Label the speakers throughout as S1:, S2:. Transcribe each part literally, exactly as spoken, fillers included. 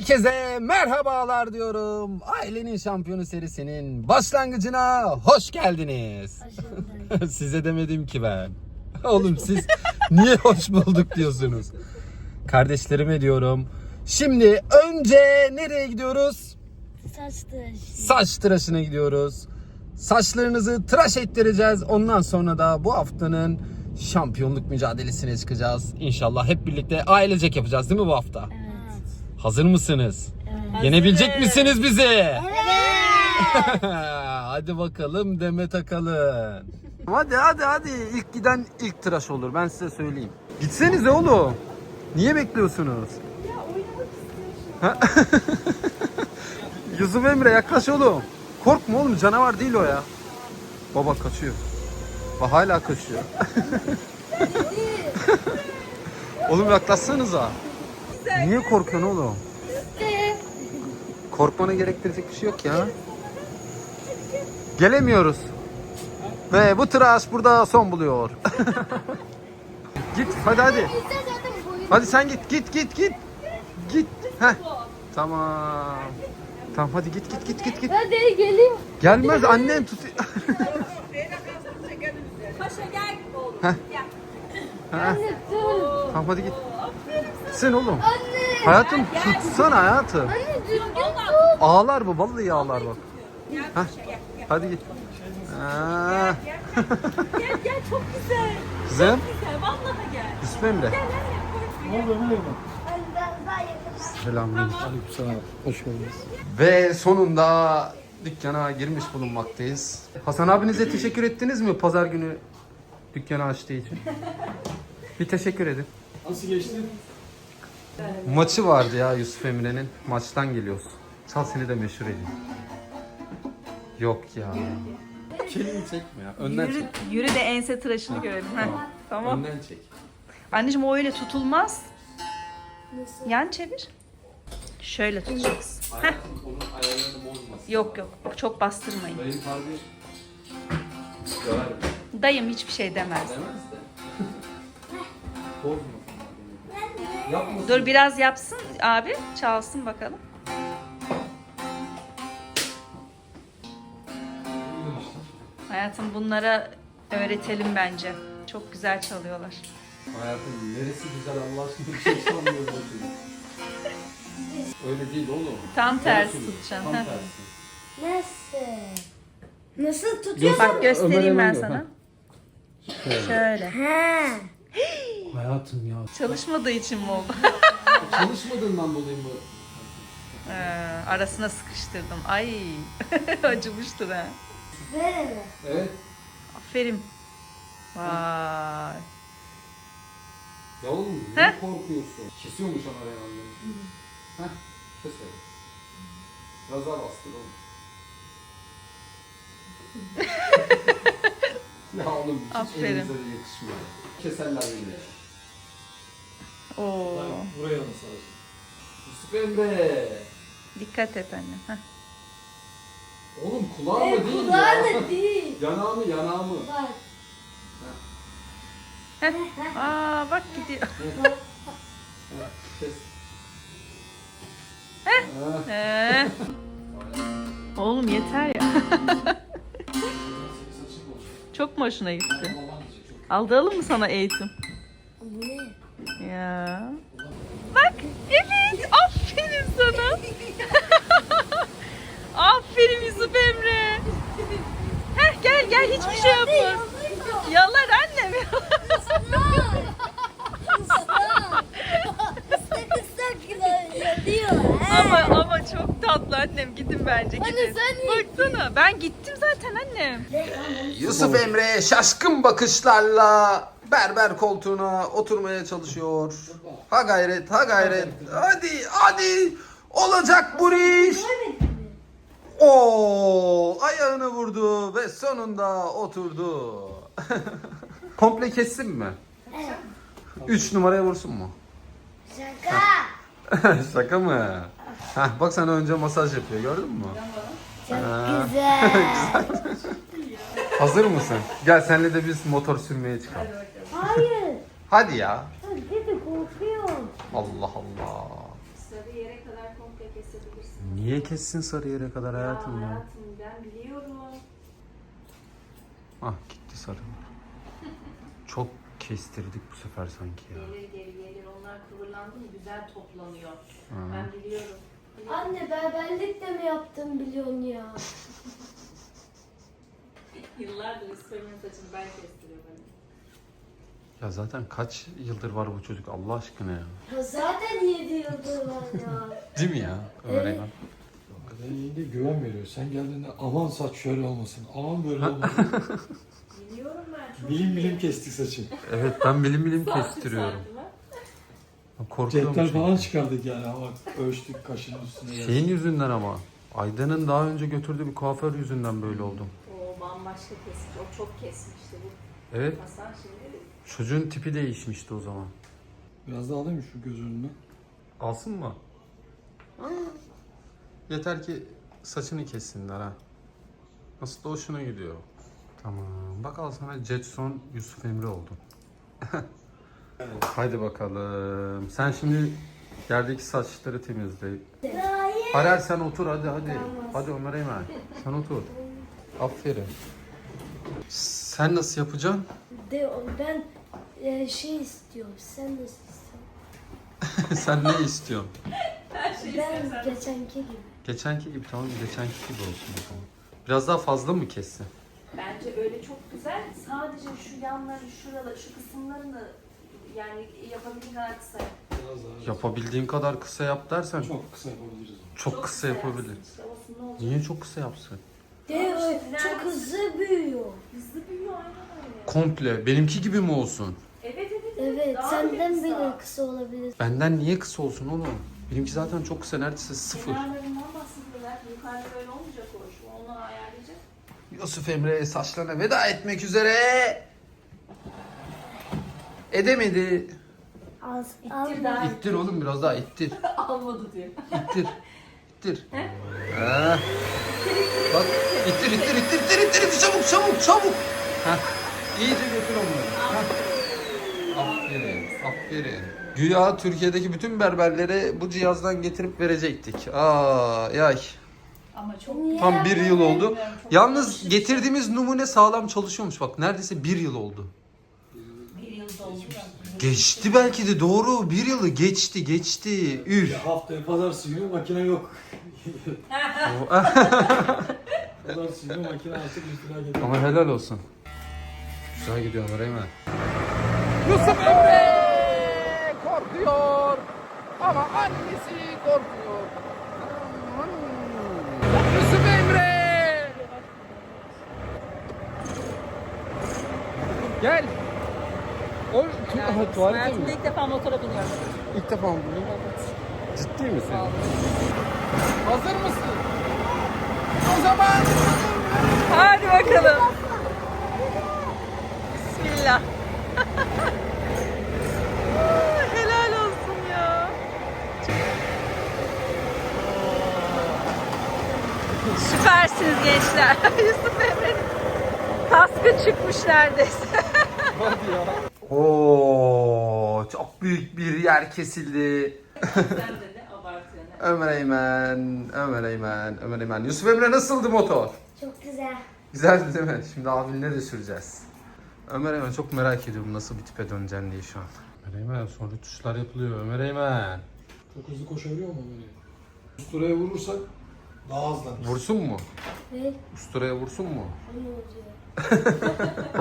S1: Herkese merhabalar diyorum. Ailenin Şampiyonu serisinin başlangıcına hoş geldiniz. Hoş Size demedim ki ben. Oğlum siz niye hoş bulduk diyorsunuz? Kardeşlerime diyorum. Şimdi önce nereye gidiyoruz?
S2: Saç tıraşı.
S1: Saç tıraşına gidiyoruz. Saçlarınızı tıraş ettireceğiz. Ondan sonra da bu haftanın şampiyonluk mücadelesine çıkacağız. İnşallah hep birlikte ailecek yapacağız değil mi bu hafta?
S2: Evet.
S1: Hazır mısınız?
S2: Evet.
S1: Yenebilecek misiniz bizi?
S2: Evet.
S1: Hadi bakalım Demet Akalın. Hadi hadi hadi. İlk giden ilk tıraş olur. Ben size söyleyeyim. Gitsenize oğlum. Niye bekliyorsunuz? Ya oynamak istiyorum. Yusuf Emre yaklaş oğlum. Korkma oğlum, canavar değil o ya. Baba kaçıyor. Bak hala kaçıyor. Oğlum yaklaşsanıza. Niye korkuyorsun oğlum? Korkmana gerektirecek bir şey yok ya. Gelemiyoruz. Ve bu tıraş burada son buluyor. Git hadi hadi. Hadi sen git git git git. Git. Heh. Tamam. Tamam hadi git git git git git.
S2: Hadi geleyim.
S1: Gelmez, annen tut.
S3: Paşa gel oğlum.
S1: Heh.
S3: Gel.
S1: Heh. Tamam hadi git. Sen oğlum.
S2: Anne.
S1: Hayatım tutsana hayatım.
S2: Anne düzgün tut.
S1: Ağlar bu, vallahi ağlar bak.
S3: Gel
S1: Heh.
S3: paşa gel. Gel
S1: Hadi git. Ha.
S3: gel gel çok güzel.
S1: Kızım.
S3: Güzel vallahi gel.
S1: Yusuf Emre.
S3: Gel anne korkma.
S2: Anne ben daha yakın.
S1: Selamünaleyküm.
S4: Aleykümselam. Hoş geldiniz.
S1: Ve sonunda dükkana girmiş bulunmaktayız. Hasan abinize teşekkür ettiniz mi pazar günü dükkanı açtığı için? Bir teşekkür edin.
S4: Nasıl geçti?
S1: Maçı vardı ya Yusuf Emre'nin. Maçtan geliyoruz. Çal seni de meşhur edeyim. Yok ya. Kelini çekme ya. Önden
S5: Yürü,
S1: çek.
S5: yürü de ense tıraşını görelim. Heh, tamam.
S1: Önden çek.
S5: Anneciğim o öyle tutulmaz.
S2: Nasıl?
S5: Yan çevir. Şöyle tutacaksın. Heh.
S1: Onun ayarlarını bozmasın.
S5: Yok yok çok bastırmayın.
S1: Dayın harbi döver mi?
S5: Dayım hiçbir şey demez.
S1: Demez de. Bozmasın. Yapmasın.
S5: Dur biraz yapsın abi. Çalsın bakalım. Hayatım bunlara öğretelim bence. Çok güzel çalıyorlar.
S1: Hayatım neresi güzel Allah aşkına bir şey sanmıyorum o çocuk. Öyle değil oğlum.
S5: Tam tersi
S1: Nasıl?
S5: tutacaksın.
S1: Tam
S5: Heh.
S1: tersi.
S2: Nasıl? Nasıl tutuyorsun?
S5: Bak göstereyim ben
S1: Ömer
S5: sana.
S1: Ömer.
S5: Şöyle.
S2: Ha.
S1: Hayatım ya.
S5: Çalışmadığı için mi oldu?
S1: Çalışmadığından dolayı mı?
S5: Ee, arasına sıkıştırdım. Ay acımıştır ha.
S2: Böyle.
S1: Evet.
S5: Aferin. Vay.
S1: Ya oğlum
S5: Heh.
S1: ne korkuyorsun? Kesiyormuş ama herhalde. Heh. Kes öyle. Biraz daha bastır oğlum. Ya oğlum hiç
S5: Aferin.
S1: elinize de yakışmıyor. Keserler beni.
S5: Oo.
S4: Buraya nasıl alacağım?
S1: Yusuf Emre.
S5: Dikkat et anne. Heh.
S1: Oğlum kulağımı değil
S2: Kulağın
S1: ya.
S2: da değil.
S1: Yanağımı yanağımı.
S2: Bak.
S5: Aa bak gidiyor.
S1: Kes.
S5: Heh. Ee. Oğlum yeter ya. Çok mu hoşuna gitti? Aldıralım mı sana eğitim?
S2: Bu ne?
S5: Ya. Bak evet aferin sana. Aferin Yusuf Emre. Heh gel gel hiçbir şey yapma. Yalar annem.
S2: Islak ıslak yanıyor.
S5: ama ama çok tatlı annem gidin bence gidin.
S2: Anne sen niye
S5: Baksana ben gittim zaten annem.
S1: Yusuf Emre şaşkın bakışlarla berber koltuğuna oturmaya çalışıyor. Ha gayret, ha gayret. Hadi, hadi. Olacak bu iş. Oo, ayağını vurdu ve sonunda oturdu. Komple kessin mi? Üç numaraya vursun mu?
S2: Şaka.
S1: Şaka mı? Heh, bak sana önce masaj yapıyor, gördün mü?
S2: Çok
S1: Ha.
S2: güzel.
S1: Hazır mısın? Gel senle de biz motor sürmeye çıkalım.
S2: Hayır.
S1: Hadi ya.
S2: Dedi korkuyorum.
S1: Allah Allah.
S3: Sarı yere kadar komple kesebilirsin.
S1: Niye kessin Sarıyer'e kadar hayatım
S3: ya?
S1: ya?
S3: Hayatım ben biliyorum.
S1: Ah gitti sarı. Çok kestirdik bu sefer sanki ya.
S3: Gelir geri gelir. Onlar kıvırlandı mı güzel toplanıyor.
S1: Hı.
S3: Ben biliyorum.
S2: Anne berberlik de mi yaptın biliyorsun ya?
S3: Yıllardır İsmail'in saçını ben kestiriyorum. Hani.
S1: Ya zaten kaç yıldır var bu çocuk Allah aşkına ya.
S2: Ya zaten yedi yıldır var ya.
S1: Değil mi ya? Ömer
S2: Evet.
S1: Eymen?
S4: Hakikaten iyi de güven veriyor. Sen geldiğinde aman saç şöyle olmasın, aman böyle olmasın.
S3: Biliyorum ben çok
S4: bilim
S3: iyi.
S4: bilim kestik saçı.
S1: Evet ben bilim bilim
S3: Saati
S1: kestiriyorum.
S3: saatime.
S1: Korkuyorum
S4: Cetvel
S1: çünkü.
S4: falan çıkardık yani ama ölçtük kaşının üstüne. geldi.
S1: Şeyin yüzünden ama. Aydan'ın daha önce götürdüğü bir kuaför yüzünden böyle oldum.
S3: O bambaşka kesmiş. O çok kesmişti bu.
S1: Evet.
S3: Hasan şimdi
S1: Çocuğun tipi değişmişti o zaman.
S4: Biraz daha alayım mı şu göz önüne?
S1: Alsın mı? Yeter ki saçını kessinler ha. Nasıl da hoşuna gidiyor. Tamam. Bak al sana Jetson Yusuf Emre oldun. Haydi bakalım. Sen şimdi yerdeki saçları temizle.
S2: Hayır.
S1: Harer sen otur hadi hadi. Hadi Ömer Eymen. Sen otur. Aferin. Sen nasıl yapacaksın?
S2: De, ben e, şey istiyorum. Sen de istiyorsun.
S1: Sen ne istiyorsun?
S3: her şeyi
S2: Ben
S3: sen-
S2: geçenki gibi.
S1: Geçenki gibi tamam geçenki gibi olsun o zaman. Biraz daha fazla mı kessin?
S3: Bence öyle çok güzel. Sadece şu yanları, şuraları, şu kısımlarını yani yapabildiğin kadar kısa yap.
S4: Biraz daha.
S1: Yapabildiğin kadar kısa yap dersen çok,
S4: Çok kısa yapabiliriz onu.
S1: kısa
S3: kısa
S1: yapabilir.
S3: yapsın işte, olsun ne olacak?
S1: Niye çok kısa yapsın?
S2: De, e, çok hızlı büyüyor.
S3: Hızlı büyüyor aynen öyle.
S1: Komple benimki gibi mi olsun?
S3: Evet evet
S2: Evet,
S3: Daha
S2: senden
S3: bile
S2: bile kısa olabilir.
S1: Benden niye kısa olsun oğlum? Benimki zaten çok kısa neredeyse sıfır.
S3: Kenarlarından bahsediyorlar. Yukarıda böyle olmayacak o iş. Onu ayarlayacak.
S1: Yusuf Emre saçlarına veda etmek üzere. Edemedi.
S2: Az,
S3: İttir daha.
S1: İttir oğlum biraz daha ittir.
S3: Almadı diyor.
S1: İttir. İttir. Ha. Bak ittir ittir ittir ittir ittir ittir çabuk çabuk çabuk. Heh. İyice götür onları. Heh. Aferin aferin. Güya Türkiye'deki bütün berberlere bu cihazdan getirip verecektik. Aa yay.
S3: Ama çok
S1: Tam bir yıl oldu.
S3: Çok
S1: Yalnız
S3: alışık.
S1: getirdiğimiz numune sağlam çalışıyormuş bak. Neredeyse bir yıl oldu.
S3: bir yıl doldu ya.
S1: Geçti belki de doğru. Bir yılı geçti geçti. Üf.
S4: Ya haftaya pazartesi günü makine yok. Pazartesi günü makine artık üstüne geliyor.
S1: Ama helal olsun. Güzel gidiyor Ömer Eymen. Yusuf Emre korkuyor ama annesi korkuyor. Yusuf Emre. Gel. O tu- tuvalete mi?
S3: ilk defa motora biniyorum.
S1: İlk defa mı bunu? Ciddi misin? Hazır mısın? O zaman
S5: Hadi bakalım. Bismillah. Helal olsun ya. Süpersiniz gençler. Yusuf Emre'nin kaskı çıkmış neredeyse.
S1: Oo, çok büyük bir yer kesildi.
S3: Sen de ne abartıyorsun.
S1: Ömer Eymen, Ömer Eymen, Ömer Eymen. Yusuf Emre nasıldı motor?
S2: Çok güzel.
S1: Güzeldi değil mi? Şimdi abinle de süreceğiz. Ömer Eymen çok merak ediyorum nasıl bir tipe döneceksin diye şu an. Ömer Eymen sonra tuşlar yapılıyor. Ömer Eymen.
S4: Çok hızlı koşabiliyor mu böyle? Usturaya vurursak daha hızlı.
S1: Vursun mu?
S2: Ve
S1: Usturaya vursun mu?
S2: ne oluyor?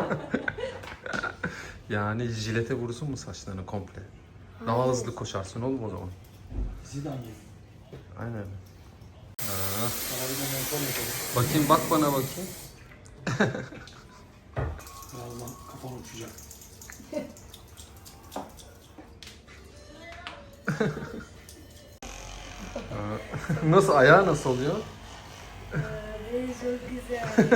S1: Yani jilete vursun mu saçlarını komple? Daha
S2: Hayır.
S1: hızlı koşarsın oğlum o zaman.
S4: Zidane gibi.
S1: Aynen. Ha.
S4: Sana bir de mentor yapalım.
S1: Bakayım bak bana bakayım.
S4: Birazdan kafan uçacak.
S1: Nasıl ayağı nasıl oluyor?
S2: Ve çok güzel.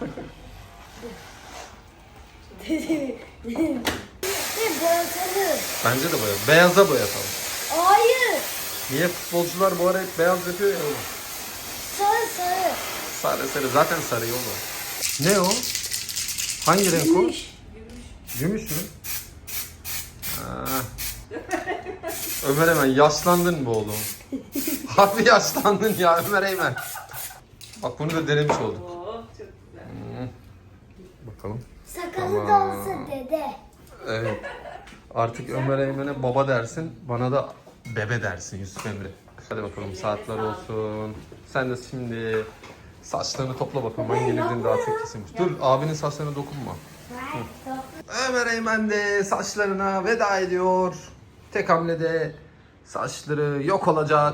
S2: Ne boyatalım.
S1: Bence de boya. Beyaza boyatalım.
S2: Hayır.
S1: Niye futbolcular bu ara hep beyaz yapıyor ya oğlum?
S2: Sarı sarı.
S1: Sarı sarı zaten sarı oğlum. Ne o? Hangi renk o?
S2: Gümüş.
S1: Gümüş mü? Ha. Ömer hemen yaşlandın mı oğlum? Hafif yaşlandın ya Ömer Eymen. Bak bunu da denemiş olduk.
S3: Oh çok güzel.
S1: Hmm. Bakalım.
S2: Sakalı da
S1: Tamam.
S2: olsa dede.
S1: Evet. Artık Ömer Eymen'e baba dersin, bana da bebe dersin Yusuf Emre. Hadi bakalım saatler olsun. Sen de şimdi saçlarını topla bakalım. Ben gelirdiğinde daha tek kesilmiş. Dur abinin saçlarına dokunma. Hı. Ömer Eymen de saçlarına veda ediyor. Tek hamlede saçları yok olacak.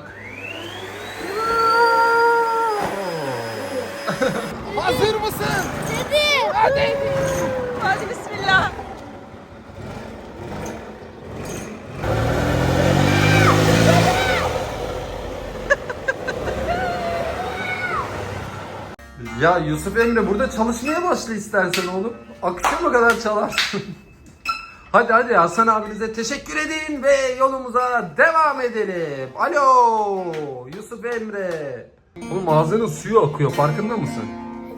S1: Hazır mısın?
S2: Dede.
S5: Hadi. Hadi bismillah.
S1: Ya Yusuf Emre burada çalışmaya başla istersen oğlum. Akşama kadar çalarsın. Hadi hadi Hasan abinize teşekkür edin ve yolumuza devam edelim. Alo Yusuf Emre. Oğlum ağzının suyu akıyor farkında mısın?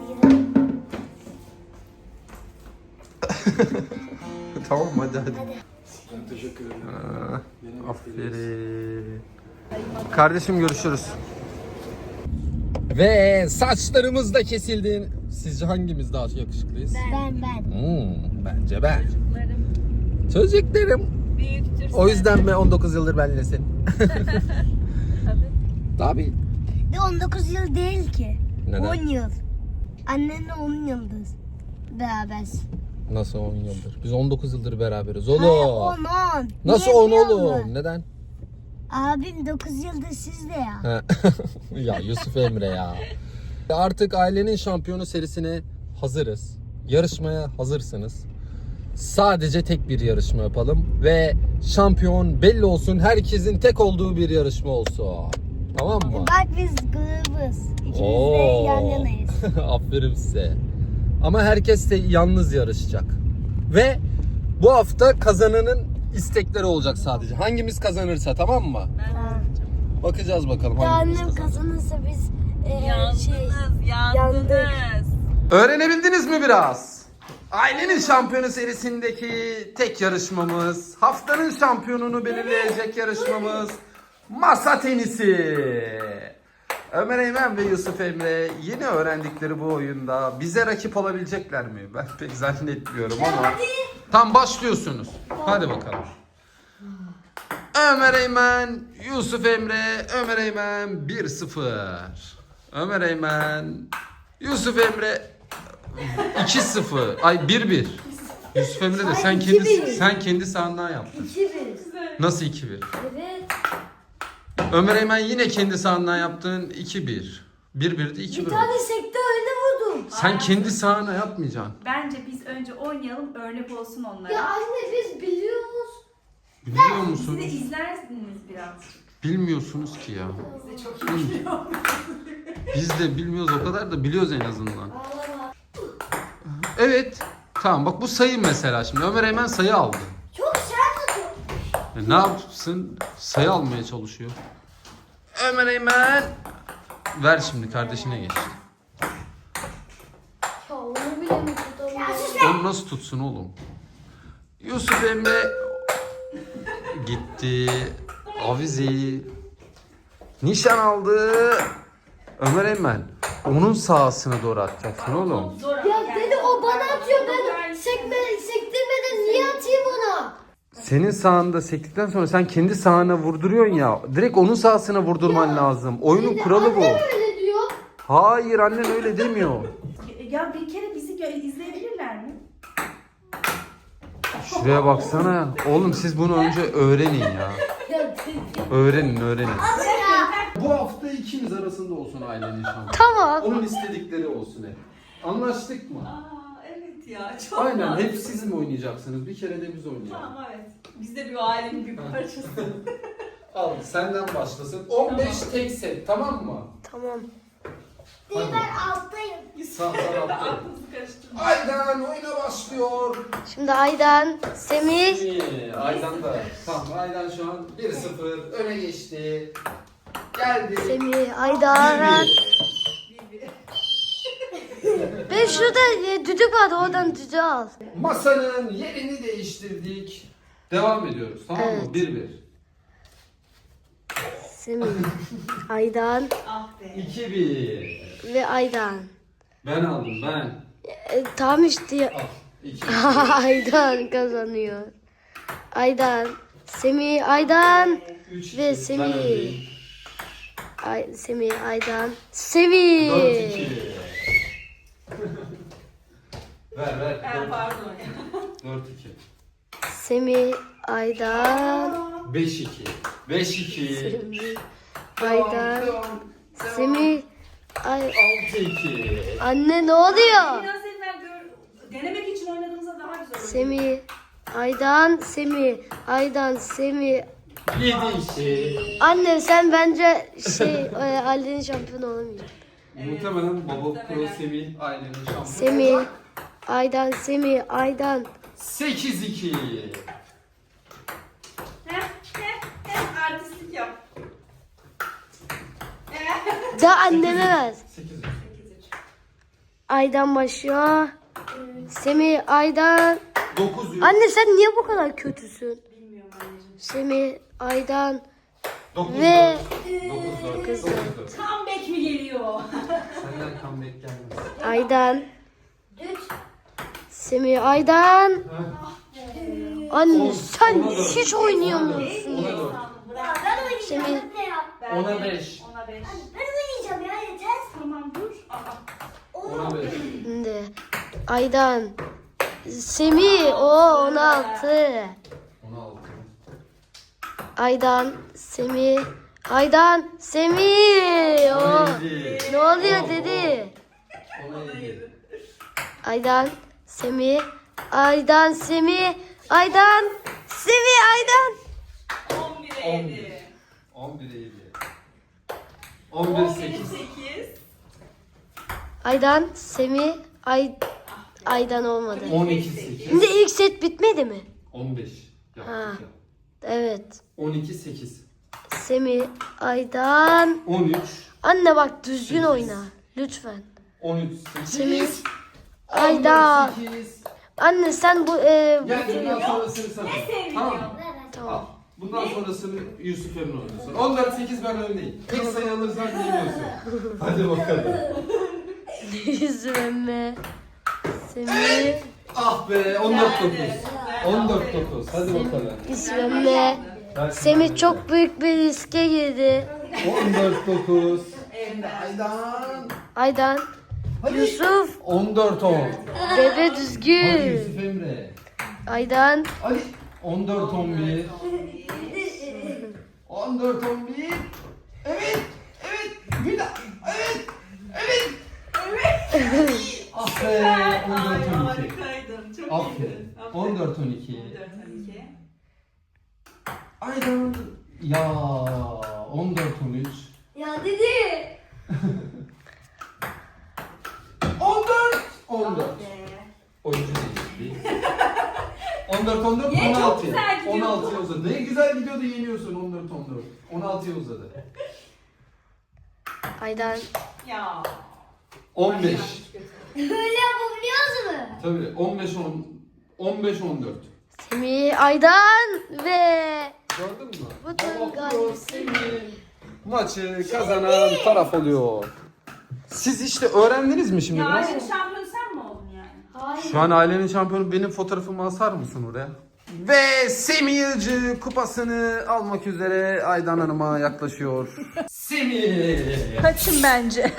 S1: Tamam hadi hadi.
S4: Ben teşekkür ederim.
S1: Ha,
S4: Benim
S1: aferin. Kardeşim görüşürüz. Ve saçlarımız da kesildi. Sizce hangimiz daha yakışıklıyız?
S2: Ben ben.
S1: Hmm, bence ben.
S5: Çocuklarım
S1: Çocuklarım.
S5: büyüktür.
S1: O yüzden mi on dokuz yıldır benlesin?
S5: Tabii.
S1: Tabii.
S2: De on dokuz yıl değil ki.
S1: Neden?
S2: on yıl. Annenle on yıldız. Berabersin.
S1: Nasıl on yıldır? Biz on dokuz yıldır beraberiz
S2: Hayır,
S1: oğlum.
S2: on on.
S1: Nasıl
S2: Niye
S1: on
S2: biliyor
S1: oğlum?
S2: musun?
S1: Neden?
S2: Abim dokuz yıldır sizde ya.
S1: Ha. Ya Yusuf Emre ya. Artık ailenin şampiyonu serisine hazırız. Yarışmaya hazırsınız. Sadece tek bir yarışma yapalım ve şampiyon belli olsun. Herkesin tek olduğu bir yarışma olsun. Tamam mı?
S2: Bak biz grubuz. İkimiz de
S1: Oo.
S2: yan yanayız.
S1: Aferin size. Ama herkes de yalnız yarışacak. Ve bu hafta kazananın istekleri olacak sadece. Hangimiz kazanırsa tamam mı?
S2: Tamam.
S1: Bakacağız bakalım
S2: Daha
S1: hangimiz
S2: annem
S1: kazanır.
S2: kazanırsa biz e,
S5: Yandınız,
S2: şey
S5: yandınız.
S2: yandık.
S1: Öğrenebildiniz mi biraz? Ailenin şampiyonu serisindeki tek yarışmamız, haftanın şampiyonunu belirleyecek yarışmamız masa tenisi. Ömer Eymen ve Yusuf Emre yeni öğrendikleri bu oyunda bize rakip olabilecekler mi? Ben pek zannetmiyorum ama. Tam başlıyorsunuz. Hadi bakalım. Ömer Eymen, Yusuf Emre, Ömer Eymen bir sıfır. Ömer Eymen, Yusuf Emre iki sıfır. Ay bir bir. Yusuf Emre de sen kendi sen kendi sahandan yaptın.
S2: iki bir.
S1: Nasıl iki bir?
S2: Evet.
S1: Ömer Eymen yine kendi sahandan yaptın iki bir. bir birdi iki bir.
S2: Bir tane sekte öyle vurdum.
S1: Sen kendi sahana yapmayacaksın.
S3: Bence biz önce oynayalım, örnek olsun onlara.
S2: Ya anne biz biliyoruz.
S1: Biliyor
S3: Siz de
S1: musunuz?
S3: izlersiniz biraz.
S1: Bilmiyorsunuz ki ya.
S3: Biz de çok iyi biliyoruz.
S1: Biz de bilmiyoruz o kadar da biliyoruz en azından. Evet. Tamam bak bu sayı mesela şimdi. Ömer Eymen sayı aldı.
S2: Çok sert atıyor.
S1: E, ne yapsın? Sayı almaya çalışıyor. Ömer Eymen. Ver şimdi kardeşine geç.
S2: Ya onu bile mi tutamıyorum?
S1: Onu nasıl tutsun oğlum? Yusuf Emre gitti. Avizeyi nişan aldı. Ömer Eymen onun sahasına doğru atacaksın oğlum.
S3: Zor
S2: Ya
S3: ama
S2: dedi o bana atıyor ben sekme, sektirmeden niye atayım ona?
S1: Senin sahanda sektikten sonra sen kendi sahana vurduruyorsun ya. Direkt onun sahasına vurdurman lazım. Oyunun
S2: Dedi,
S1: kuralı bu.
S2: annem öyle diyor.
S1: Hayır annen öyle demiyor.
S3: Ya bir kere bizi gö- izleyebilirler mi?
S1: Şuraya baksana ya. Oğlum siz bunu önce öğrenin ya.
S2: Ya dedi.
S1: Öğrenin öğrenin. Bu hafta ikiniz arasında olsun ailenin şampiyonu.
S2: Tamam.
S1: Onun istedikleri olsun hep. Anlaştık mı?
S3: Aa evet ya çok
S1: Aynen
S3: mantıklı.
S1: hep siz mi oynayacaksınız? Bir kere de biz oynayalım.
S3: Tamam evet. Biz de bir ailenin bir parçası.
S1: Al senden başlasın. on beş tek set tamam mı?
S2: Tamam.
S1: Hadi.
S2: Ben alttayım.
S1: Sağ tarafta.
S3: Aklınızı karıştırmayın.
S1: Aydan oyuna başlıyor.
S2: Şimdi Aydan, Semih.
S1: İyi, Aydan da. Tamam Aydan şu an bir sıfır öne geçti. Geldi.
S2: Semih, Aydan.
S3: Bir bir.
S2: Ben şurada e, düdük vardı oradan düdüğü al.
S1: Masanın yerini değiştirdik. Devam ediyoruz tamam mı?
S2: Evet.
S1: bir bir.
S2: Semih, Aydan
S3: Ah be.
S1: iki bir.
S2: ve Aydan.
S1: Ben aldım ben.
S2: E, tam işte
S1: Al. iki.
S2: Aydan kazanıyor. Aydan, Semih, Aydan
S1: üç
S2: ve
S1: iki. Ben
S2: Semih.
S1: öndeyim.
S2: Ay, Semih, Aydan, Semih.
S1: dört iki. ver ver.
S3: Ben pardon.
S1: dört iki.
S2: Semih, Aydan,
S1: beş iki. beş iki.
S2: Semih, Aydan, Semih, Ay,
S1: altı iki.
S2: anne ne oluyor?
S3: Biraz evvel gör, denemek için oynadığımızda daha güzel oldu.
S2: Semih, Aydan, Semih, Aydan, Semih.
S1: yedi iki.
S2: Anne sen bence şey e, ailenin şampiyonu olamayacaksın.
S1: Muhtemelen Baba Pro Semih ailenin şampiyonu.
S2: Semih, Aydan, Semih, Aydan.
S1: sekiz iki.
S3: Heh, heh, heh, artistlik yap.
S2: Da anneme ver.
S1: sekiz üç.
S3: sekiz üç.
S2: Aydan başlıyor. Semih, Aydan.
S1: dokuz üç.
S2: Anne sen niye bu kadar kötüsün?
S3: Bilmiyorum anneciğim.
S2: Semih, Aydan
S1: dokuz
S2: ve
S1: dokuz dört.
S2: Kızlar.
S1: dokuz dört.
S3: Comeback mi geliyor?
S1: Senden comeback gelmez.
S2: Aydan. Semih, Aydan. Anne
S1: On-
S2: sen
S1: ona dört.
S2: hiç oynayamıyorsun
S1: Ona
S2: ya.
S1: dört.
S2: Semih,
S3: Ben
S1: Ona
S3: de-
S1: beş.
S3: Ona beş.
S6: Ben oynayacağım ya yeter.
S3: Tamam dur. Aa.
S1: Ona beş.
S2: şimdi Aydan. Semih, o on altı.
S1: Ona altı.
S2: Aydan, Semih, Aydan, Semih. O.
S1: Ona yedi.
S2: Ne oluyor dedi?
S1: Ona yedi.
S2: Aydan, Semih, Aydan, Semih, Aydan, Semih, Aydan.
S3: on bire yedi.
S1: on bire yedi. on bir
S3: on bire
S1: sekiz.
S3: sekiz.
S2: Aydan, Semih, Ay, Aydan olmadı.
S1: on iki sekiz.
S2: Şimdi ilk set bitmedi mi?
S1: on beş.
S2: Ha.
S1: Yaptık ya.
S2: Evet.
S1: on iki sekiz.
S2: Semih, Aydan.
S1: on üç.
S2: Anne bak düzgün oyna. Lütfen.
S1: on üç sekiz.
S2: Semih, Aydan.
S1: sekiz.
S2: Anne sen bu... E,
S1: Gel bundan sonrasını sana. Tamam mı? Al.
S2: tamam.
S1: Bundan sonrasını Yusuf Emre oynasın. on dört sekiz ben öndeyim. Tek sayı alırsan yeniyorsun. Hadi bakalım.
S2: Yüzüme. Semih,
S1: Ah be on dört dokuz. on dört dokuz. Hadi bakalım.
S2: yüzüme. Semih çok büyük bir riske girdi.
S1: on dört dokuz.
S3: Aydan.
S2: Aydan, Yusuf,
S1: on dört on.
S2: bebe
S1: Hadi
S2: düzgün.
S1: Yusuf Emre.
S2: Aydan,
S1: Hadi. on dört on bir. on dört on bir. Evet. Evet. Bir daha. Evet. Evet. Evet. Ah be. on dört on iki.
S3: Harikaydın. Çok
S1: Aferin.
S3: iyiydin.
S1: on dört on iki.
S3: on dört on iki.
S1: Aydan. Ya on dört on üç.
S6: Ya dedi.
S1: on dört on dört.
S3: Be.
S1: Oyuncu değişikliği. on dört on dört
S3: Niye?
S1: on
S3: Çok
S1: altı.
S3: güzel gidiyordu.
S1: on altıya uzadı. Ne güzel gidiyordu yeniyorsun on dört on dört. on altıya uzadı.
S2: Aydan,
S3: Ya.
S1: on beş.
S6: Böyle yapabiliyoruz mu?
S1: Tabii on beş on on beş on dört.
S2: Semih, Aydan ve
S1: Gördün mü?
S2: Bu da
S1: Baba
S2: galiba
S1: Pro Semih maçı kazanan taraf oluyor. Siz işte öğrendiniz mi şimdi
S3: Ya
S1: biraz?
S3: ailenin şampiyonu sen mi oldun yani?
S6: Hayır.
S1: Şu an ailenin şampiyonu benim fotoğrafımı asar mısın oraya? Ve Semih Yılcı kupasını almak üzere Aydan Hanım'a yaklaşıyor. Semih!
S5: Kaçın bence.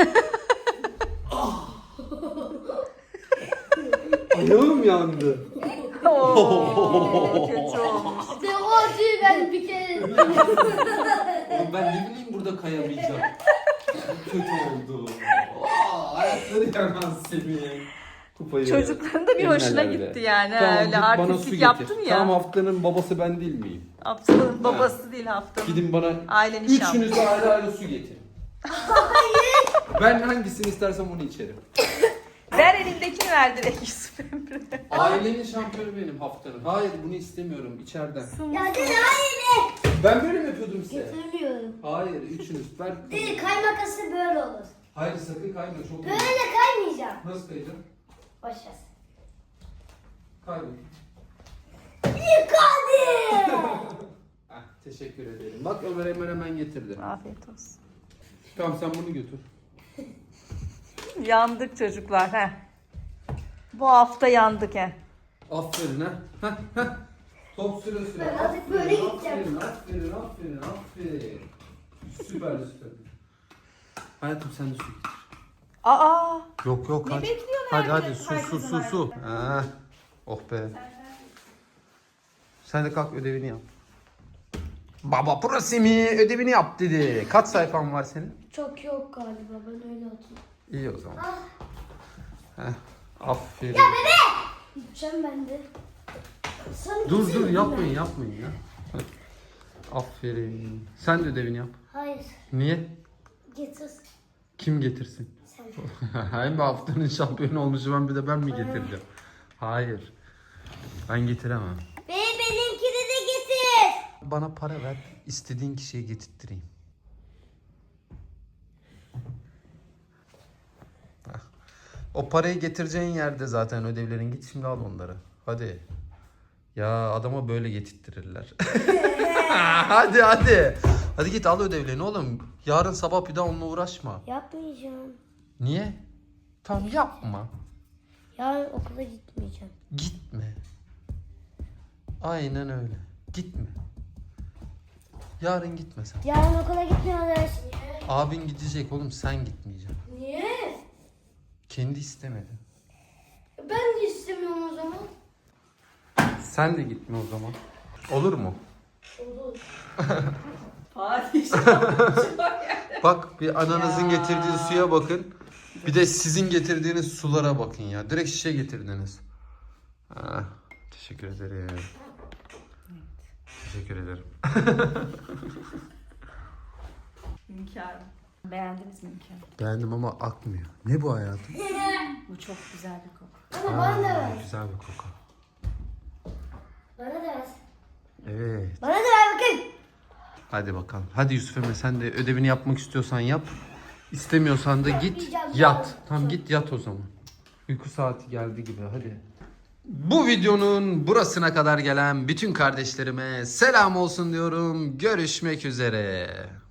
S1: Ayağım yandı.
S5: Oo, kötü olmuş.
S6: İşte o acıyı ben bir kere
S1: Oğlum ben ne bileyim burada kayamayacağım. Çok kötü oldu. Aa, ayakları yanmaz Semih. Kupayı.
S5: Çocukların da bir
S1: Eline
S5: hoşuna
S1: öyle.
S5: gitti yani.
S1: Tamam,
S5: Öyle
S1: git bana su
S5: artistik
S1: getir.
S5: yaptın ya.
S1: Tamam haftanın babası ben değil miyim?
S5: Haftanın babası değil haftanın.
S1: Gidin bana
S5: Ailenin
S1: üçünüz
S5: şampiyonu.
S1: de ayrı ayrı su getirin. Ben hangisini istersem onu içerim.
S5: Ver elindekini ver direkt Yusuf Emre.
S1: Ailenin şampiyonu benim haftanın. Hayır bunu istemiyorum içeriden.
S6: Ya dedi hayır de.
S1: Ben böyle mi yapıyordum size?
S6: Getirmiyorum.
S1: Hayır üçünüz. Ver.
S6: Dedi kaymakası böyle olur.
S1: Hayır sakın kayma çok iyi.
S6: Böyle kaymayacağım.
S1: Nasıl kayacağım?
S6: Başlasın.
S1: Kayma.
S6: Yıkadı.
S1: Ah Teşekkür ederim. Bak Ömer hemen hemen getirdi.
S5: Afiyet olsun.
S1: Tamam sen bunu götür.
S5: Yandık çocuklar he. Bu hafta yandık he.
S1: Aferin ha. Heh, heh. Top süre süre.
S6: Ben artık böyle gideceğim.
S1: Aferin, aferin, aferin. Süper süper. Hayatım sen de su getir.
S5: Aa,
S1: Yok yok
S5: ne
S1: hadi.
S5: bekliyorsun
S1: Hadi hadi
S5: herkes-
S1: su su
S5: herkesin
S1: su su. Ha. Oh be. Sen de kalk ödevini yap. Baba burası mı? Ödevini yap dedi. Kaç sayfan var senin?
S2: Çok yok galiba, ben öyle hatırlıyorum.
S1: İyi o zaman. Heh. Aferin.
S2: Gideceğim ben de. Sen
S1: Dur
S2: gitsene
S1: dur
S2: bir
S1: yapmayın
S2: ben.
S1: yapmayın ya. Hadi. Aferin. Sen de ödevini yap.
S2: Hayır,
S1: Niye?
S2: getir.
S1: Kim getirsin?
S2: Sen.
S1: Hem haftanın şampiyonu olmuşu ben bir de ben mi getireceğim? Hayır. Ben getiremem.
S6: Ve benimkini de getir.
S1: Bana para ver, istediğin kişiye getirttireyim. Hah. O parayı getireceğin yerde zaten ödevlerin. Git şimdi al onları. Hadi. Ya adama böyle getirttirirler. Hadi hadi. Hadi git al ödevlerini oğlum. Yarın sabah bir daha onunla uğraşma.
S2: Yapmayacağım.
S1: Niye? Tamam yapma.
S2: Yarın okula gitmeyeceğim.
S1: Gitme. Aynen öyle. Gitme. Yarın gitme sen.
S2: Yarın okula gitmiyoruz.
S1: Abin gidecek oğlum sen gitmeyeceksin.
S2: Niye?
S1: Kendi istemedi.
S2: Ben de istemiyorum o zaman.
S1: Sen de gitme o zaman. Olur mu?
S2: Olur.
S5: padişah.
S1: Bak bir ananızın
S5: Ya.
S1: getirdiği suya bakın. Bir de sizin getirdiğiniz sulara bakın ya. Direkt şişe getirdiniz. Ah, teşekkür ederim. Teşekkür ederim.
S5: Hünkârım. Beğendiniz mi hünkârım?
S1: Beğendim ama akmıyor. Ne bu hayatım?
S5: Bu çok güzel bir koku.
S2: Ama bana da ver.
S1: Güzel bir koku.
S2: Bana da ver.
S1: Evet.
S2: Bana da ver bakayım.
S1: Hadi bakalım. Hadi Yusuf Emre sen de ödevini yapmak istiyorsan yap. İstemiyorsan da git
S2: Yapmayacağım
S1: yat.
S2: ya.
S1: Tamam git yat o zaman. Uyku saati geldi gibi hadi. Bu videonun burasına kadar gelen bütün kardeşlerime selam olsun diyorum. Görüşmek üzere.